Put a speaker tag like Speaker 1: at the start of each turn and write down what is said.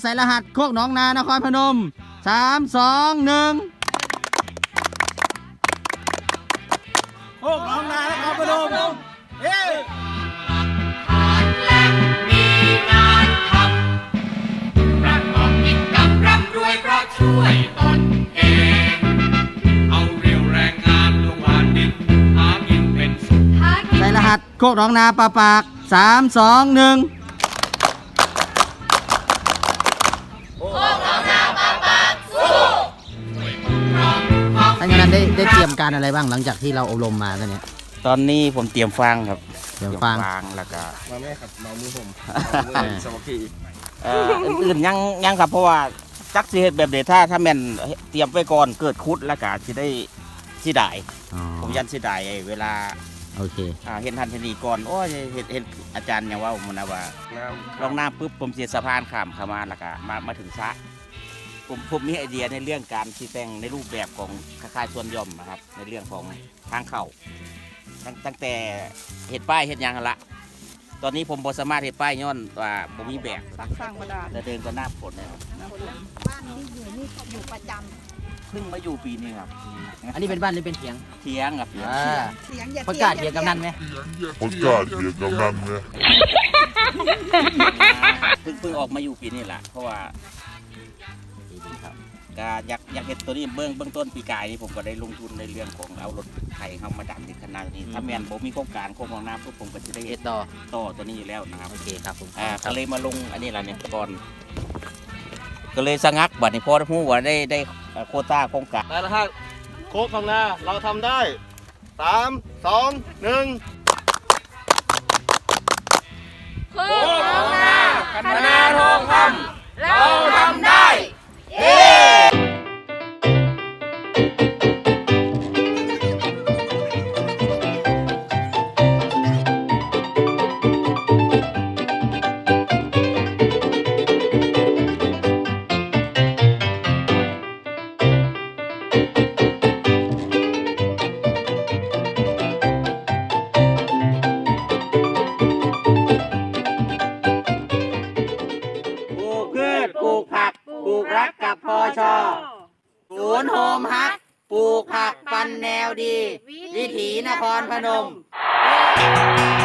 Speaker 1: ใส่รหัสโคกหนองนานครพนม3 2 1โคกหนองนานครพนมเฮ้
Speaker 2: ช่วยตนเองเอาเรียวแรงงานลงหวานดินหากินเป็นสุข
Speaker 1: ใส่รหัสโคกหนองนาปาก3 2 1ท่านกำนันได้เตรียมการอะไรบ้างหลังจากที่เราอบรมมาตอนนี้
Speaker 3: ตอนนี้ผมเตรียมฟังครับ
Speaker 1: เตรียมฟัง
Speaker 3: แล้วก็
Speaker 4: มาแม่ครับมามือผมสมัคร
Speaker 3: อื่นยังครับเพราะว่าจักสิเฮ็ดแบบเดถ้าแม่นเตรียมไว้ก่อนเกิดคุดแล้วก็สิได้สิได้ผมยันสิได้เวลา
Speaker 1: โอเค
Speaker 3: เห็นทันทีก่อนโอ้ยเห็นอาจารย์อย่างว่าผมนะว่าลองน้ำปุ๊บผมเสียสะพานข้ามเข้ามาแล้วก็มาถึงซะผมมีไอเดียในเรื่องการที่แต่งในรูปแบบของคล้ายๆส่วนย่อมนะครับในเรื่องของทางเข้าตั้งแต่เห็ดป้ายเห็ดยางละตอนนี้ผมบสามารถเห็ดป้ายย้อนว่าผมมีแบบ
Speaker 5: สร้างกระดาษ
Speaker 3: เดินก็หน้าฝนนะครับ
Speaker 5: บ้านที่อยู่ประจ
Speaker 3: เพิ่งมาอยู่ปีนี้ครับ
Speaker 1: อันนี้เป็นบ้านหรือเป็นเถียง
Speaker 3: เถียงครับ
Speaker 5: เสียง
Speaker 1: ประกาศเถียงกำนันไหม
Speaker 4: ประกาศเถียงกำนันไหม
Speaker 3: เพิ่งออกมาอยู่ปีนี้แหละเพราะว่าก็อยากเห็นตัวนี้เบื้องต้นปีกายนี่ผมก็ได้ลงทุนในเรื่องของเอารถไถเข้ามาดันถึงขนาดนี้ถ้าแมนผมมีโครงการโครงของน้ำพวกผมก็จะได้เฮ็ดต่อตัวนี้อยู่แล้วนะครับ
Speaker 1: โอเคครับผม
Speaker 3: ก็เลยมาลงอันนี้แหละเนี่ยก่อนก็เลยสงักบัดนี้พอพูดว่าได้โควต้าโครงการ
Speaker 4: ได้แล้วฮะโคกของนาเราทำได้3 2 1
Speaker 5: โคกของนาคณะทองคำเราทำได้
Speaker 3: ปลูกผักปลูกรักกับพอชอศูนย์โฮมฮักปลูกผักปันแนวดีวิถีนครพนม